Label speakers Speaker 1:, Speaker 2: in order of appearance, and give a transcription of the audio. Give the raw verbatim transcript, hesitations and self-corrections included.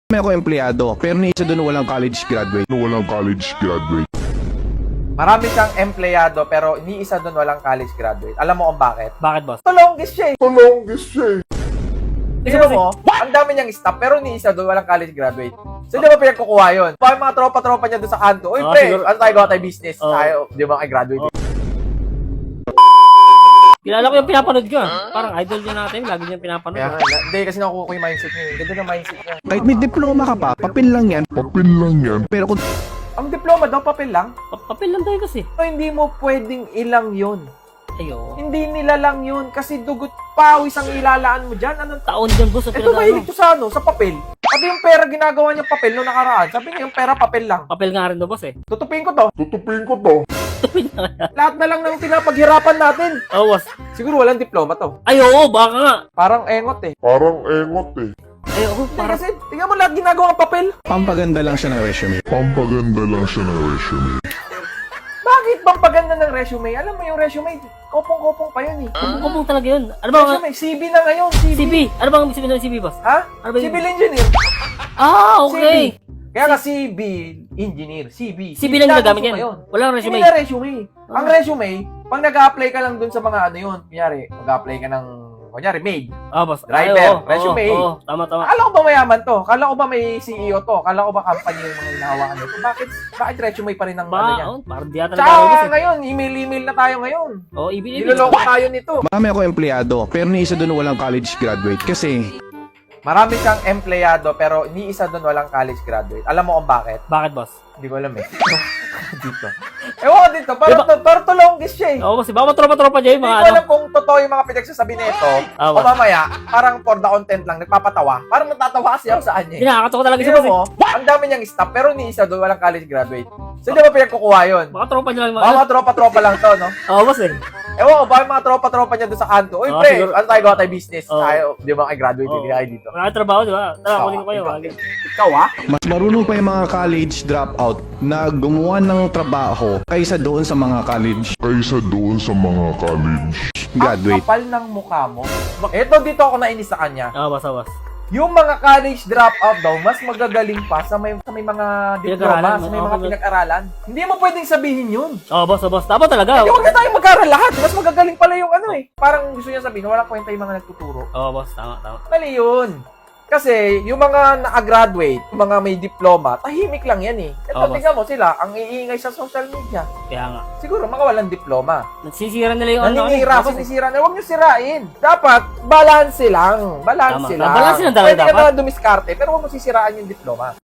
Speaker 1: May ako empleyado, pero ni isa doon walang college graduate.
Speaker 2: Walang college graduate.
Speaker 3: Marami siyang empleyado pero ni isa doon walang college graduate. Alam mo kung bakit?
Speaker 4: Bakit, boss?
Speaker 3: The longest siya eh.
Speaker 2: Longest siya eh.
Speaker 3: Tingnan mo, ang dami niyang staff pero ni isa doon walang college graduate. So di ba pinagkukuha yun? Pa yung mga tropa-tropa niya doon sa kanto. Uy
Speaker 4: Ah,
Speaker 3: pre,
Speaker 4: siguro-
Speaker 3: ano tayo gawa tayo business?
Speaker 4: Oh.
Speaker 3: Tayo, di ba kay graduate?
Speaker 4: Kilala ko yung pinapanood ko. ah. Parang idol niya natin. Lagi niya pinapanood.
Speaker 3: Kaya
Speaker 4: ah.
Speaker 3: nga, na- hindi kasi nakukuha ko yung mindset niya. eh. Ganda ng mindset niya.
Speaker 1: Kahit may diploma ka pa, papel lang yan.
Speaker 2: Papel lang yan.
Speaker 1: Pero kung
Speaker 3: Ang diploma daw, papel lang.
Speaker 4: Pa- Papel lang tayo kasi.
Speaker 3: So, hindi mo pwedeng ilang yun.
Speaker 4: Ayo.
Speaker 3: Hindi nila lang yun kasi dugot pawis ang ilalaan mo dyan. Anong
Speaker 4: Taon dyan, boss. Ang
Speaker 3: Ito
Speaker 4: pinag-
Speaker 3: mahilig to sa ano, sa papel. Sabi yung pera ginagawa niyang papel no nakaraan. Sabi niya yung pera papel lang.
Speaker 4: Papel nga rin to, boss eh.
Speaker 3: Tutupin ko to.
Speaker 2: Tutupin ko to.
Speaker 3: Lahat na lang ng pinapaghirapan natin.
Speaker 4: Oh, boss.
Speaker 3: Siguro walang diploma to.
Speaker 4: Ay, oo, baka nga.
Speaker 3: Parang engot eh.
Speaker 2: Parang engot eh.
Speaker 4: Ay, oo,
Speaker 3: Hindi
Speaker 4: parang...
Speaker 3: kasi, tingnan mo lahat ginagawa ng papel.
Speaker 1: pampaganda lang siya ng resume.
Speaker 2: Pampaganda lang siya ng resume.
Speaker 3: Bakit bang paganda ng resume? Alam mo yung resume, kopong-kopong pa yun eh.
Speaker 4: Kumong talaga yun. Ano ba?
Speaker 3: Resume, C V na ngayon, C V.
Speaker 4: C V. Ano bang ibig sabihin ng C V, boss?
Speaker 3: Ha?
Speaker 4: Ano ba yun?
Speaker 3: Civil engineer.
Speaker 4: Ah, okay.
Speaker 3: C V. Kaya ka civil engineer, C V.
Speaker 4: C V lang
Speaker 3: Lagi
Speaker 4: ginagamit
Speaker 3: mo
Speaker 4: yan.
Speaker 3: ngayon.
Speaker 4: Walang
Speaker 3: Hindi
Speaker 4: resume.
Speaker 3: na resume. Ang
Speaker 4: Ah.
Speaker 3: resume, pag nag-a-apply ka lang dun sa mga ano yun, kunyari, mag-a-apply ka ng, kunyari, maid.
Speaker 4: Ah, boss.
Speaker 3: Driver,
Speaker 4: Ay, oo,
Speaker 3: resume.
Speaker 4: Oo, oo, tama, tama.
Speaker 3: Akala ko ba mayaman to? Akala ko ba may C E O to? Akala ko ba company yung mga hinahawakan nito? Bakit, bakit resume pa rin ang ano
Speaker 4: Ba,
Speaker 3: yan?
Speaker 4: oh, parang di ata nagkakaroon, boss
Speaker 3: Tsaka
Speaker 4: eh.
Speaker 3: ngayon, email-email na tayo ngayon.
Speaker 4: Oo, ibig ibig.
Speaker 3: Niloloko tayo nito.
Speaker 1: Marami ako empleyado, pero ni isa doon walang college graduate. Kasi
Speaker 3: Marami kang empleyado pero ni isa doon walang college graduate. Alam mo kung bakit?
Speaker 4: Bakit, boss?
Speaker 3: Hindi ko alam eh. dito. Ewan ko dito. Parang,
Speaker 4: Diba?
Speaker 3: to, parang to longest siya eh.
Speaker 4: Oo, boss. Baka matropa-tropa dyan yung
Speaker 3: Hindi
Speaker 4: mga
Speaker 3: ko
Speaker 4: ano.
Speaker 3: alam kung totoo yung mga pinagsasabi nito.
Speaker 4: Ah,
Speaker 3: O
Speaker 4: boss.
Speaker 3: mamaya, parang for the content lang, nagpapatawa. Parang natatawa kasi ako sa kanya
Speaker 4: Hindi,
Speaker 3: eh.
Speaker 4: nakakatawa talaga siya,
Speaker 3: Tingnan
Speaker 4: boss eh.
Speaker 3: mo, ang dami niyang staff pero ni isa doon walang college graduate. So di ba pinagkukuha yun?
Speaker 4: Baka tropa niya lang yung
Speaker 3: Baka
Speaker 4: mga...
Speaker 3: mga tropa-tropa lang to, no?
Speaker 4: Oo, boss eh.
Speaker 3: Ewan ko, baka yung mga tropa-tropa niya doon sa kanto. Uy,
Speaker 4: Oh,
Speaker 3: pre,
Speaker 4: siguro-
Speaker 3: ano tayo gawa tayo business?
Speaker 4: Oh.
Speaker 3: Tayo, di ba kay graduate,
Speaker 4: Oo.
Speaker 3: hindi kayo dito.
Speaker 4: Wala trabaho, di ba? Tara, kunin ko kayo.
Speaker 3: Ikaw,
Speaker 4: wag-
Speaker 3: ikaw ah?
Speaker 1: mas marunong pa yung mga college dropout na gumawa ng trabaho kaysa doon sa mga college
Speaker 2: Kaysa doon sa mga college.
Speaker 1: graduate.
Speaker 3: Ang kapal ng mukha mo. Eto, dito ako nainis sa kanya.
Speaker 4: Oo, boss, oo, boss.
Speaker 3: Yung mga college dropout daw, mas magagaling pa sa may, sa may mga diploma,
Speaker 4: Pinag-aralan,
Speaker 3: sa may
Speaker 4: oo,
Speaker 3: mga
Speaker 4: pinag-
Speaker 3: pinag-aralan. Hindi mo pwedeng sabihin yun.
Speaker 4: Oo, boss, oo, boss. Tama talaga.
Speaker 3: Hindi, huwag na tayo mag-aral lahat. Mas magagaling pala yung ano eh. Parang gusto niya sabihin, wala kwenta yung mga nagtuturo.
Speaker 4: Oo, boss. Tama, tama.
Speaker 3: Mali yun. Kasi yung mga na-graduate, yung mga may diploma, tahimik lang yan eh. Ito,
Speaker 4: Oo, boss.
Speaker 3: tingnan mo sila, ang iingay sa social media.
Speaker 4: Kaya nga.
Speaker 3: Siguro, mga walang diploma.
Speaker 4: Nagsisira nila yung ano.
Speaker 3: Naninira,
Speaker 4: boss, eh.
Speaker 3: sinisira na. Huwag nyo sirain. Dapat, balance lang. Balance
Speaker 4: Tama.
Speaker 3: lang.
Speaker 4: Balance lang talaga
Speaker 3: Pwede ka
Speaker 4: dapat.
Speaker 3: na dumiskarte, pero huwag mo sisiraan yung diploma.